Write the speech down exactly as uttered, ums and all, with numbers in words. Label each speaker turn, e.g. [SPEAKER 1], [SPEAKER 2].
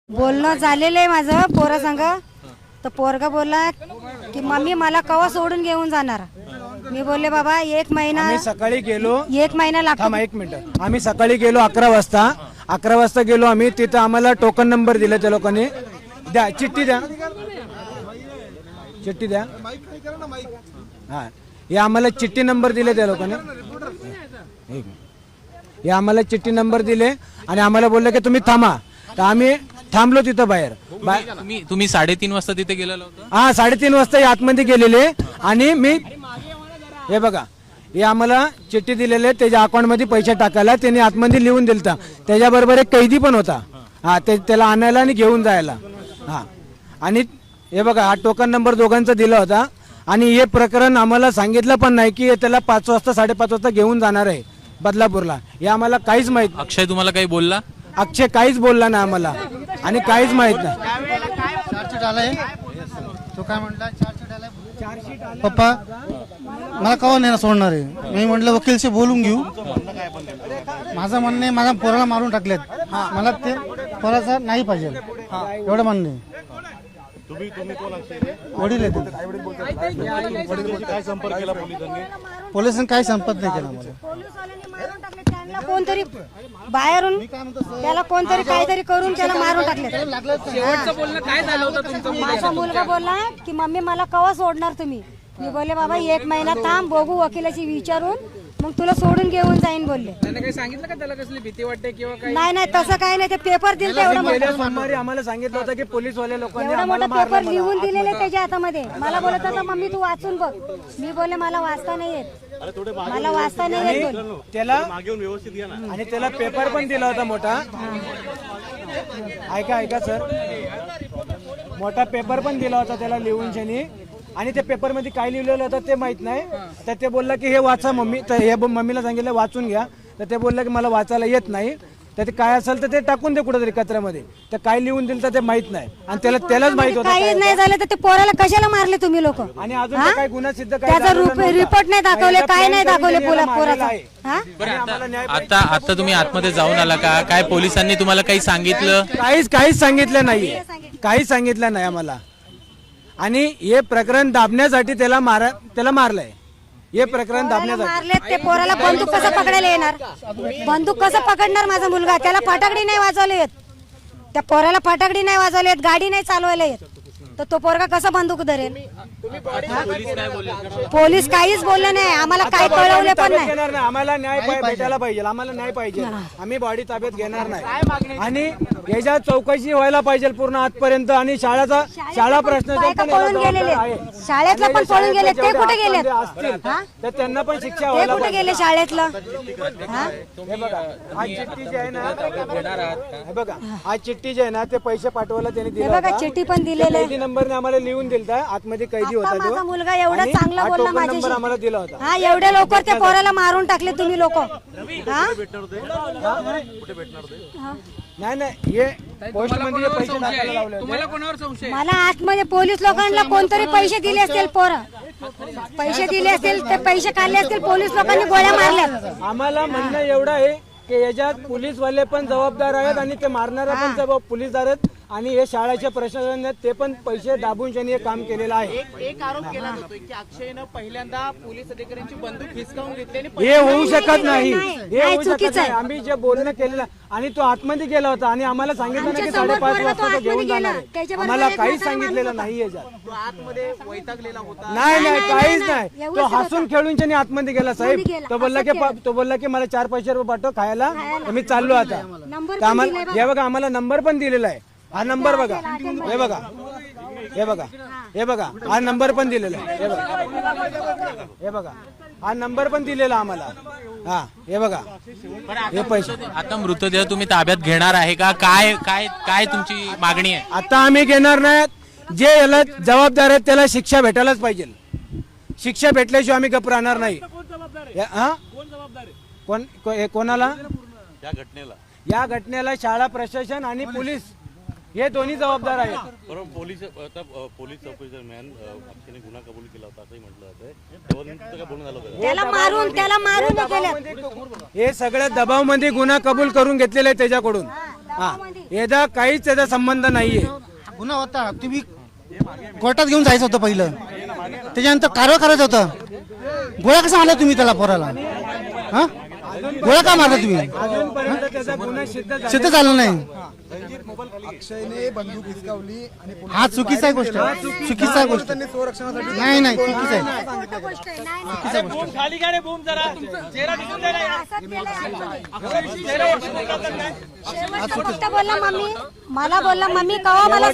[SPEAKER 1] बोलणं झालेलं आहे माझं पोरा संग. तर पोरगा बोलला की मम्मी मला कवा सोडून घेऊन जाणार. मी बोलले बाबा एक महिना
[SPEAKER 2] आम्ही सकाळी गेलो
[SPEAKER 1] एक महिना लागतो.
[SPEAKER 2] थांबा एक मिनिट. आम्ही सकाळी गेलो अकरा वाजता अकरा वाजता गेलो आम्ही. तिथं आम्हाला टोकन नंबर दिले त्या लोकांनी. द्या चिठ्ठी द्या चिठ्ठी द्या. हा हे आम्हाला चिठ्ठी नंबर दिले त्या लोकांनी. एक हे आम्हाला चिठ्ठी नंबर दिले आणि आम्हाला बोलले की तुम्ही थांबा. तर आम्ही थांबलो तिथं बाहेर.
[SPEAKER 3] तुम्ही तुम्ही साडेतीन वाजता तिथे गेलेला होता.
[SPEAKER 2] हा साडेतीन वाजता हे आतमध्ये गेलेले आणि मी हे बघा हे आम्हाला चिठ्ठी दिलेले त्याच्या अकाउंट मध्ये पैसे टाकायला त्यांनी आतमध्ये लिहून दिलता. त्याच्याबरोबर एक कैदी पण होता. हा ते त्याला आणायला आणि घेऊन जायला. हा आणि हे बघा हा टोकन नंबर दोघांचा दिला होता. आणि हे प्रकरण आम्हाला सांगितलं पण नाही की त्याला पाच वाजता साडेपाच वाजता घेऊन जाणार आहे बदलापूरला. हे आम्हाला काहीच माहित.
[SPEAKER 3] अक्षय तुम्हाला काही बोलला?
[SPEAKER 2] अक्षय काहीच बोलला नाही आम्हाला आणि काहीच माहित नाही.
[SPEAKER 4] चार्जशीट आलाय तो काय म्हटला चार्जशीट आलाय पप्पा मला कवा नाही सोडणार आहे. मी म्हटलं वकीलशी बोलून घेऊ. माझं म्हणणं आहे माझ्या पोराला मारून टाकलेत. मला ते पोराचा नाही पाहिजे एवढं म्हणणं आहे. वडील आहे पोलिसांनी काही संपर्क नाही केला मला.
[SPEAKER 1] पोलिसवाल्यांनी मारून टाकले त्यांना. कोणतरी बाहेरून त्याला कोणतरी काहीतरी करून त्याला मारून टाकले.
[SPEAKER 5] शेवटचं बोलणं काय झालं होतं तुमचं?
[SPEAKER 1] माझा मुलगा बोलला की मम्मी मला कवा सोडणार तुम्ही. मी बोलले बाबा एक महिना थांब बघू वकिलाची विचारून मग तुला सोडून घेऊन जाईन बोलले.
[SPEAKER 5] त्याने काही सांगितलं का त्याला कसली भीती वाटते किंवा काय?
[SPEAKER 1] नाही नाही तसं काही नाही. ते पेपर दिले एवढा मोठा
[SPEAKER 2] सोमवारी आम्हाला सांगितलं होतं की पोलीसवाले लोकांनी
[SPEAKER 1] एवढा
[SPEAKER 2] आम्हाला
[SPEAKER 1] मोठा पेपर
[SPEAKER 2] मारलं.
[SPEAKER 1] लिहून दिलेले त्याच्या हातामध्ये. मला बोलत होता मम्मी तू वाचून बघ. मी बोलले मला वाचता नाही येत. मला वाचता नाही येत बोल.
[SPEAKER 2] त्याला आणि त्याला पेपर पण दिला होता मोठा. ऐका ऐका सर मोठा पेपर पण दिला होता त्याला लिहून शनी. आणि त्या पेपर मध्ये काय लिहिलेलं होतं ते माहित नाही. तर ते बोलला की हे वाचा मम्मी. तर हे मम्मीला सांगितलं वाचून घ्या. तर ते बोललं की मला वाचायला येत नाही. तर ते काय असेल तर ते टाकून दे कुठेतरी कचऱ्यामध्ये. तर काय लिहून दिलं तर ते माहित नाही. आणि त्याला त्यालाच माहित होतं
[SPEAKER 1] काही नाही झालं तर ते पोराला कशाला मारले तुम्ही लोक.
[SPEAKER 2] आणि अजून तर काही गुन्हा सिद्ध काय
[SPEAKER 1] त्याचा
[SPEAKER 2] झालेला नव्हता.
[SPEAKER 1] रिपोर्ट नाही दाखवले काय नाही दाखवले
[SPEAKER 2] पहिला
[SPEAKER 1] पोला
[SPEAKER 2] मारलेला
[SPEAKER 1] पोराचा.
[SPEAKER 2] आहे.
[SPEAKER 1] हा
[SPEAKER 3] बरं आता आता आता तुम्ही आतमध्ये जाऊन आला का? काय पोलिसांनी तुम्हाला काही सांगितलं?
[SPEAKER 2] काहीच काहीच सांगितलं नाही. काहीच सांगितलं नाही आम्हाला. आणि हे प्रकरण दाबण्यासाठी त्याला मार त्याला मारलंय. हे प्रकरण दाबण्यासाठी
[SPEAKER 1] मारले ते पोराला बंदूक कसं पकडायला येणार. बंदूक कसं पकडणार माझा मुलगा. त्याला फटाकडी नाही वाजवले येत. त्या पोराला फटाकडी नाही वाजवले येत. गाडी नाही चालवायला येत. तर तो पोरगा कसा बंदूक धरेल. पोलीस काहीच बोलले नाही आम्हाला. काही कळवले पण नाही.
[SPEAKER 2] घेणार नाही. आम्हाला न्याय पाय- भेटायला पाहिजे. आम्हाला न्याय पाहिजे. आम्ही बॉडी ताब्यात घेणार नाही. आणि याच्या चौकशी व्हायला पाहिजे पूर्ण आजपर्यंत. आणि शाळाचा शाळा प्रश्न
[SPEAKER 1] बायका पळून गेलेले. शाळेतलं पण पळून गेले. ते कुठे गेलेत. हा?
[SPEAKER 2] तर त्यांना पण शिक्षा
[SPEAKER 1] ते
[SPEAKER 2] व्हायला
[SPEAKER 1] कुठे
[SPEAKER 2] पाहिजे.
[SPEAKER 1] गेले शाळेतलं. हा?
[SPEAKER 2] हे बघा आज चिठ्ठी जी आहे ना हे बघा आज चिठ्ठी जी आहे ना ते पैसे पाठवायला त्यांनी
[SPEAKER 1] हे
[SPEAKER 2] दिलं
[SPEAKER 1] बघा
[SPEAKER 2] होतं.
[SPEAKER 1] चिठ्ठी पण दिलेले.
[SPEAKER 2] कैदी नंबरने आम्हाला लिहून दिलता. आतमध्ये कैदी
[SPEAKER 1] आता
[SPEAKER 2] होता
[SPEAKER 1] माझा
[SPEAKER 2] तो.
[SPEAKER 1] मुलगा एवढा
[SPEAKER 2] आणि
[SPEAKER 1] चांगला
[SPEAKER 2] हा
[SPEAKER 1] बोलला
[SPEAKER 2] टोकन नंबर
[SPEAKER 1] माझ्याशी.
[SPEAKER 2] आम्हाला दिला होता.
[SPEAKER 1] हा एवढ्या लवकर त्या पोराला मारून टाकले तुम्ही लोक.
[SPEAKER 2] नाही नाही हे पोस्ट मध्ये पैसे टाकायला लावले होते.
[SPEAKER 5] तुम्हाला कोणावर संशय?
[SPEAKER 1] मला आतमध्ये पोलीस लोकांना कोणतरी पैसे दिले असतील. पोरं पैसे दिले असतील ते पैसे काढले असतील. पोलीस लोकांनी गोळ्या मारल्या.
[SPEAKER 2] आम्हाला म्हणणं एवढं आहे की याच्यात पोलीसवाले पण जबाबदार आहेत आणि ते मारणारा पण जबाब पोलीसदार आहेत. आणि हे शाळेचे प्रशासन ते पण पैसे दाबून त्यांनी हे काम केलेलं आहे.
[SPEAKER 5] एक आरोप केला जातोय की अक्षयनं पहिल्यांदा पोलीस अधिकाऱ्यांची बंदूक हिसकावून घेतली आणि
[SPEAKER 2] हे होऊ शकत नाही. हे
[SPEAKER 1] नाही,
[SPEAKER 2] होऊ शकत
[SPEAKER 1] चुकीचं
[SPEAKER 2] नाही.
[SPEAKER 1] आहे.
[SPEAKER 2] आम्ही जे बोलणं केलेलं आणि तो आतमध्ये गेला होता आणि आम्हाला सांगितलं ना की
[SPEAKER 1] आमच्या समोर
[SPEAKER 2] साडेपाच
[SPEAKER 1] पोरगा तो
[SPEAKER 2] वाजता तो
[SPEAKER 1] आतमध्ये
[SPEAKER 2] घेऊन जाणार
[SPEAKER 1] गेला.
[SPEAKER 2] आहे.
[SPEAKER 1] त्याच्याबरोबर
[SPEAKER 2] आम्हाला
[SPEAKER 1] एक
[SPEAKER 2] काहीच
[SPEAKER 1] म्हातारा
[SPEAKER 2] सांगितलेलं
[SPEAKER 1] माणूस
[SPEAKER 2] नाही याच्यात.
[SPEAKER 5] तो आतमध्ये वैतागलेला होता.
[SPEAKER 2] नाही नाही
[SPEAKER 1] नाही,
[SPEAKER 2] काहीच
[SPEAKER 1] नाही,
[SPEAKER 2] नाही.
[SPEAKER 1] नाही.
[SPEAKER 2] तो
[SPEAKER 1] एवढंच
[SPEAKER 2] हसून खेळून त्याने आतमध्ये गेला साहेब.
[SPEAKER 1] आतमध्ये गेला.
[SPEAKER 2] तो बोलला की पा- तो बोलला की मला चार पैसे रुपये पाठव खायला. तर मी चाललो आता.
[SPEAKER 1] नंबर
[SPEAKER 2] तर आम्हाला हे बघा आम्हाला नंबर पण दिलेला आहे. हा नंबर बघा हे बघा हे बघा हे बघा हा नंबर पण दिलेला आहे. हे बघा हे बघा हा नंबर पण दिलेला आम्हाला. हा हे बघा हे पैसे.
[SPEAKER 3] आता मृतदेह तुम्ही ताब्यात घेणार आहे का? काय काय काय तुमची मागणी आहे?
[SPEAKER 2] आता आम्ही घेणार नाही. जे याला जबाबदार आहेत त्याला शिक्षा भेटायलाच पाहिजे. शिक्षा भेटल्याशिवाय आम्ही गप राहणार नाही. या- हा? कोण को- हे कोणाला या घटनेला शाळा प्रशासन आणि पोलीस हे दोन्ही जबाबदार आहेत.
[SPEAKER 6] बरोबर. पोलीस आता अ, पोलीस चौकशी दरम्यान अ, अक्षयने गुन्हा कबूल केला होता असंही म्हटलं जातंय. तेव्हा तुमचं काय बोलणं झालं होतं?
[SPEAKER 1] त्याला मारून त्याला मारून हे केलं.
[SPEAKER 2] हे सगळं दबावमध्ये गुन्हा कबूल करून घेतलेला आहे त्याच्याकडून. हा याचा काहीच त्याचा संबंध नाहीये.
[SPEAKER 4] गुन्हा होता, तुम्ही कोर्टात घेऊन जायचं होतं पहिलं, त्याच्यानंतर कारवाई करायचं होतं. गोळ्या कसा मारला तुम्ही त्याला पोराला? हा गोळ्या का मारला तुम्ही?
[SPEAKER 2] अजूनपर्यंत त्याचा गुन्हा सिद्ध झाला
[SPEAKER 4] सिद्ध झालं नाही.
[SPEAKER 7] अक्षयने बंदूक हिसकावली आणि पोलिसांनी
[SPEAKER 4] हा चुकीचा आहे गोष्ट, चुकीचा आहे गोष्ट.
[SPEAKER 7] त्यांनी संरक्षणासाठी
[SPEAKER 4] नाही नाही चुकीचं आहे.
[SPEAKER 1] खोटं गोष्ट आहे. नाही, नाही.
[SPEAKER 5] खाली गाडी बूम जरा चेहरा दिसून द्या ना.
[SPEAKER 1] असं केलं. शेवट फक्त बोलला मम्मी मला बोलला मम्मी कवा मला